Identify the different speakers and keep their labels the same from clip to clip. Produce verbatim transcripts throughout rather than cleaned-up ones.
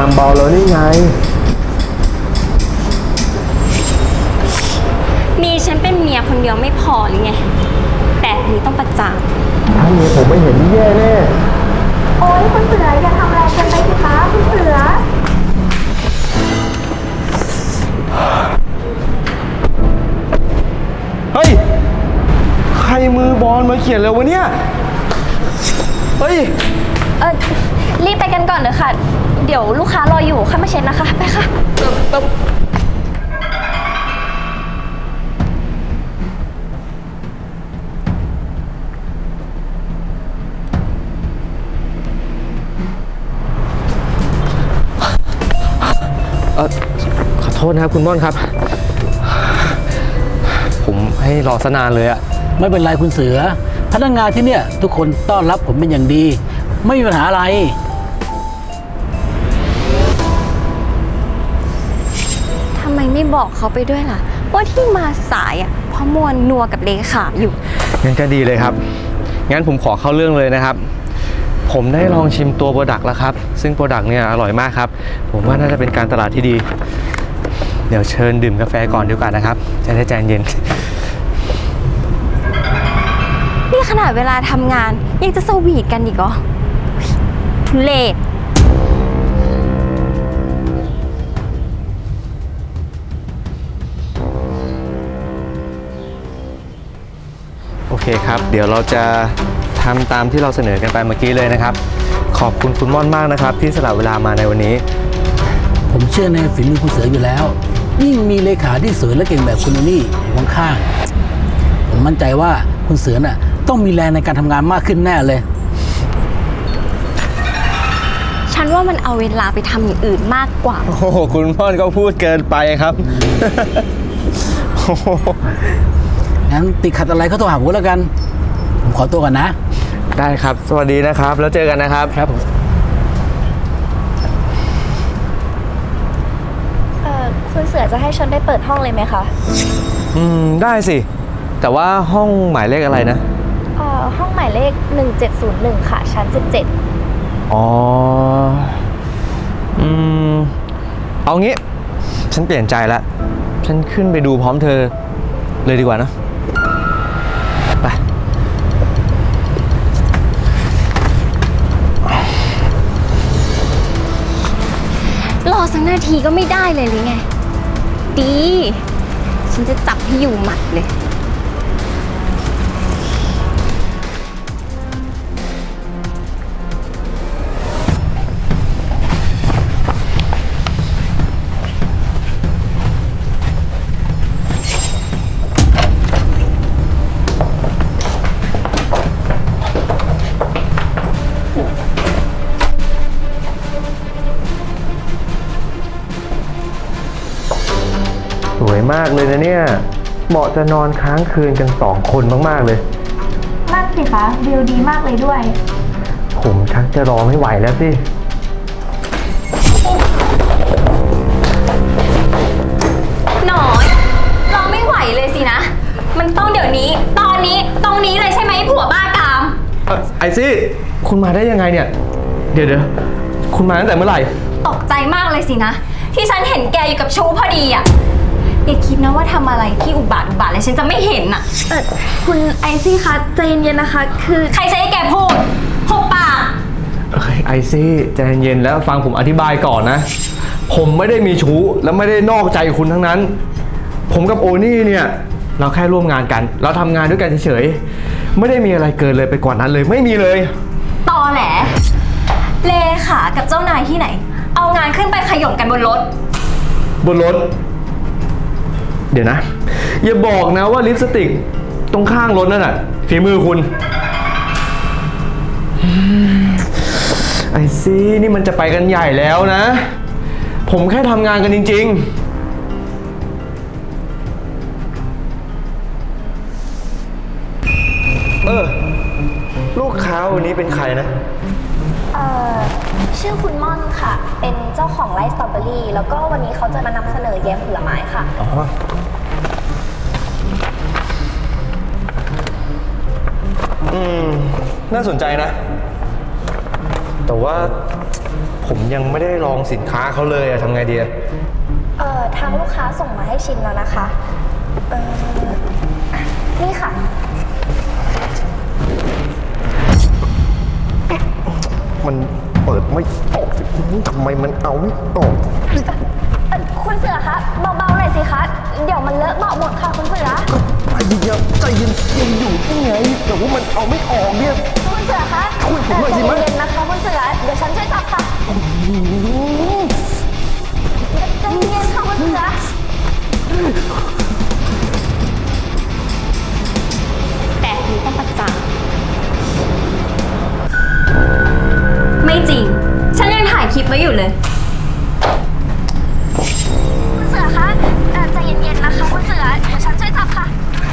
Speaker 1: ามเบาแล้วนี่ไง
Speaker 2: มีฉันเป็นเมียคนเดียวไม่พอหรือไงแบบนี้ต้องประจาน
Speaker 1: ถ้าเมียผมไม่เห็นนี่แย่แน่
Speaker 3: โอ๊ยคุณเสืออย่าทำแรงเกินไปสิคะคุณเสือ
Speaker 1: เฮ้ยใครมือบอลมาเขียนเลยวะเนี่ยเฮ้ย
Speaker 2: เออรีบไปกันก่อนเถอะค่ะเดี๋ยวลูกค้ารออยู่ค่อยมาเช็ดนะคะไปค่ะ
Speaker 1: เออขอโทษนะครับคุณม่อนครับผมให้รอซะนานเลยอะ
Speaker 4: ไม่เป็นไรคุณเสือพนักงานที่เนี่ยทุกคนต้อนรับผมเป็นอย่างดีไม่มีปัญหาอะไร
Speaker 2: ทำไมไม่บอกเขาไปด้วยล่ะว่าที่มาสายอ่ะเพราะมวนนัวกับเลขาอยู่
Speaker 1: งั้นก็ดีเลยครับงั้นผมขอเข้าเรื่องเลยนะครับผมได้ลองชิมตัวโปรดักต์แล้วครับซึ่งโปรดักต์เนี่ยอร่อยมากครับผมว่าน่าจะเป็นการตลาดที่ดีเดี๋ยวเชิญดื่มกาแฟก่อนดีกว่านะครับจะได้ใจเย็น
Speaker 2: นี่ขนาดเวลาทำงานยังจะสวีทกันอีกเหรอทุเรศ
Speaker 1: โอเคครับเดี๋ยวเราจะทำตามที่เราเสนอกันไปเมื่อกี้เลยนะครับขอบคุณคุณม่อนมากนะครับที่สละเวลามาในวันนี้
Speaker 4: ผมเชื่อในฝีมือคุณเสืออยู่แล้วยิ่งมีเลขาที่สวยและเก่งแบบคุณนี่อยู่ข้างๆผมมั่นใจว่าคุณเสือน่ะต้องมีแรงในการทำงานมากขึ้นแน่เลย
Speaker 2: ฉันว่ามันเอาเวลาไปทำอย่างอื่นมากกว่า
Speaker 1: โอ้โหคุณม่อนก็พูดเกินไปครับ
Speaker 4: งั้นติดขัดอะไรก็โทรหาผมแล้วกันผมขอตัวก่อนนะ
Speaker 1: ได้ครับสวัสดีนะครับแล้วเจอกันนะครับ
Speaker 4: ครับผม
Speaker 3: เอ่อคุณเสือจะให้ฉันได้เปิดห้องเลยไหมคะ
Speaker 1: อืมได้สิแต่ว่าห้องหมายเลขอะไรนะ
Speaker 3: เอ่อห้องหมายเลขหนึ่งเจ็ดศูนย์หนึ่งค่ะชั้นสิบเจ็ด
Speaker 1: อ๋ออืมเอางี้ฉันเปลี่ยนใจแล้วฉันขึ้นไปดูพร้อมเธอเลยดีกว่านะไป
Speaker 2: รอสักนาทีก็ไม่ได้เลยหรือไงดีฉันจะจับให้อยู่หมัดเลย
Speaker 1: สวยมากเลยนะเนี่ยเหมาะจะนอนค้างคืนกันสองคนมากๆเลย
Speaker 3: นั่นสิคะวิวดีมากเลยด้วย
Speaker 1: ผมชักจะรอไม่ไหวแล้วสิ
Speaker 2: หน่อยรอไม่ไหวเลยสินะมันต้องเดี๋ยวนี้ตอนนี้ตรงนี้เลยใช่ไหมผัวบ้ากาม
Speaker 1: ไอซี่คุณมาได้ยังไงเนี่ยเดี๋ยวเดี๋ยวคุณมาตั้งแต่เมื่อไหร่
Speaker 2: ตกใจมากเลยสินะที่ฉันเห็นแกอยู่กับชูพอดีอ่ะอย่าคิดนะว่าทำอะไรที่อุบาทอุบาทเลยฉันจะไม่เห็นอ่ะ
Speaker 3: เออคุณไอซี่คะใจเย็นๆนะคะคือ
Speaker 2: ใครใช้ให้แกพูดหุบปาก
Speaker 1: ไอซี่ใจเย็นแล้วฟังผมอธิบายก่อนนะผมไม่ได้มีชู้และไม่ได้นอกใจคุณทั้งนั้นผมกับโอนี่เนี่ยเราแค่ร่วมงานกันเราทำงานด้วยกันเฉยๆไม่ได้มีอะไรเกินเลยไปกว่านั้นเลยไม่มีเลย
Speaker 2: ตอแหลเลขากับเจ้านายที่ไหนเอางานขึ้นไปขย่มกันบนรถ
Speaker 1: บนรถเดี๋ยวนะอย่าบอกนะว่าลิปสติกตรงข้างรถนั่นน่ะฝีมือคุณไอซี่นี่มันจะไปกันใหญ่แล้วนะผมแค่ทำงานกันจริงๆเออลูกค้าวันนี้เป็นใครนะ
Speaker 3: เอ่อชื่อคุณม่อนค่ะเป็นเจ้าของไร่สตรอเบอรี่แล้วก็วันนี้เขาจะมานำเสนอแยมผลไม้ค่ะอ๋อ
Speaker 1: อืมน่าสนใจนะแต่ว่าผมยังไม่ได้ลองสินค้าเขาเลยอะทำไงดีอะ
Speaker 3: เอ่อทางลูกค้าส่งมาให้ชิมแล้วนะคะ เอ่ออ่ะนี่ค่ะ
Speaker 1: มันเปิดไม่ออกสิทำไมมันเอาไม่ออก
Speaker 3: เอ่อคุณเสือคะเบาๆหน่อยสิคะ เดี๋ยวมันเลอะเบาะหมดค่ะคุณเสือ
Speaker 1: ใจเย็นใจเย็นยังอยู่ที่ไงแต่ว่ามันเอาไม่ออกเนี่ย
Speaker 3: คุณเสือคะ
Speaker 1: คุยผมหน่อยสิ
Speaker 3: เอ่อ
Speaker 1: มั้ย
Speaker 3: ใจเย็นๆนะคะคุณเสือ เดี๋ยวฉันช่วยจับค่ะใจเย็นๆค่ะคุณเสือ
Speaker 2: แต่นี้ต้องประจานไม่จริง ฉันยังถ่ายคลิปไว้อยู่เลย
Speaker 3: คุณเสือคะเอ่อใจเย็นๆนะคะคุณเสือ เดี๋ยวฉันช่วยจับค่ะ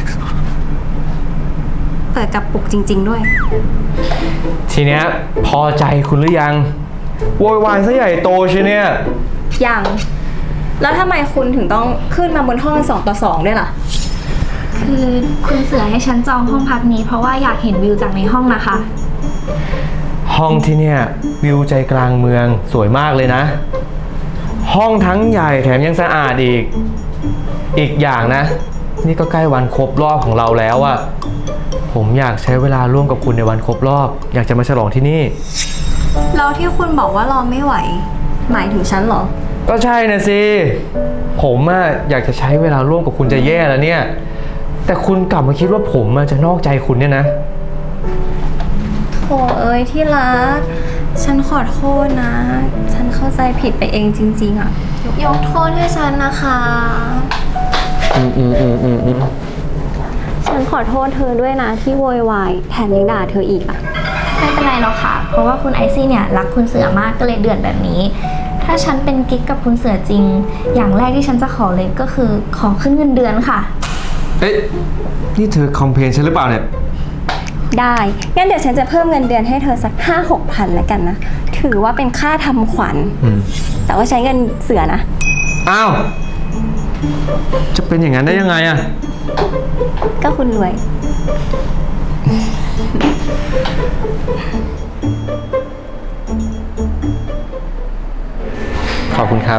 Speaker 2: เปิดกระปุกจริง ๆ ด้วย
Speaker 1: ทีเนี้ยพอใจคุณหรือยังโวยวายซะใหญ่โตใช่เนี่ย
Speaker 2: ยัง แล้วทำไมคุณถึงต้องขึ้นมาบนห้องสองต่อสองด้วยล่ะ
Speaker 3: คือคุณเสือให้ฉันจองห้องพักนี้เพราะว่าอยากเห็นวิวจากในห้องนะคะ
Speaker 1: ห้องที่เนี่ยวิวใจกลางเมืองสวยมากเลยนะ ห้องทั้งใหญ่แถมยังสะอาดอีก อีกอย่างนะ นี่ก็ใกล้วันครบรอบของเราแล้วอะผมอยากใช้เวลาร่วมกับคุณในวันครบรอบ อยากจะมาฉลองที่นี่
Speaker 2: แล้วที่คุณบอกว่ารอไม่ไหว หมายถึงฉันเหรอ
Speaker 1: ก็ใช่นะสิ ผมอะอยากจะใช้เวลาร่วมกับคุณจะแย่แล้วเนี่ย แต่คุณกลับมาคิดว่าผมอะจะนอกใจคุณเนี่ยนะ
Speaker 2: โถเอ้ยที่รัก ฉันขอโทษนะ ฉันเข้าใจผิดไปเองจริง ๆอะยกโทษให้ฉันนะคะ
Speaker 1: อืมอืมอืมอืมอืม
Speaker 2: ฉันขอโทษเธอด้วยนะที่โวยวายแถมยังด่าเธออีกอะ
Speaker 3: ไม่เป็นไรหรอกค่ะ เพราะว่าคุณไอซี่เนี่ยรักคุณเสือมากก็เลยเดือดแบบนี้ ถ้าฉันเป็นกิ๊กกับคุณเสือจริง อย่างแรกที่ฉันจะขอเลยก็คือขอขึ้นเงินเดือนค่ะ
Speaker 1: เอ๊ะนี่เธอคอมเพลนฉันหรือเปล่าเนี่ย
Speaker 2: ได้ งั้นเดี๋ยวฉันจะเพิ่มเงินเดือนให้เธอสักห้าหกพันแล้วกันนะ ถือว่าเป็นค่าทำขวัญ
Speaker 1: อืม
Speaker 2: แต่ว่าใช้เงินเสือนะ
Speaker 1: อ้าว จะเป็นอย่างนั้นได้ยังไงอะ
Speaker 2: ก็คุณรวย
Speaker 1: ขอบคุณครับ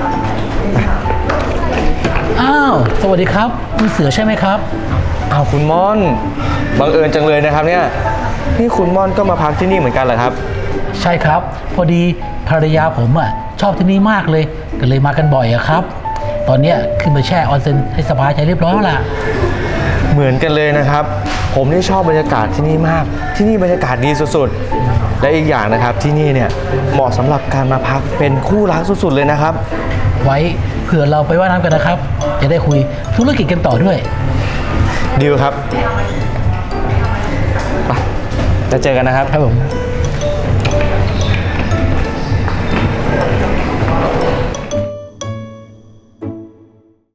Speaker 4: อ้าว สวัสดีครับคุณเสือใช่ไหมครับ
Speaker 1: อ้าวคุณม่อน บังเอิญจังเลยนะครับเนี่ย นี่คุณม่อนก็มาพักที่นี่เหมือนกันเหรอครับ
Speaker 4: ใช่ครับ พอดีภรรยาผมอ่ะชอบที่นี่มากเลย ก็เลยมากันบ่อยอะครับ ตอนเนี้ยขึ้นมาแช่ออนเซ็นให้สบายใจเรียบร้อยแล้วล่ะ
Speaker 1: เหมือนกันเลยนะครับ ผมนี่ชอบบรรยากาศที่นี่มาก ที่นี่บรรยากาศดีสุดๆ และอีกอย่างนะครับที่นี่เนี่ยเหมาะสำหรับการมาพักเป็นคู่รักสุดๆเลยนะครับ
Speaker 4: ไว้เผื่อเราไปว่ายน้ำกันนะครับ จะได้คุยธุรกิจกันต่อด้วย
Speaker 1: ดีลครับ ไปจะเจอกันนะครับ
Speaker 4: ครับผม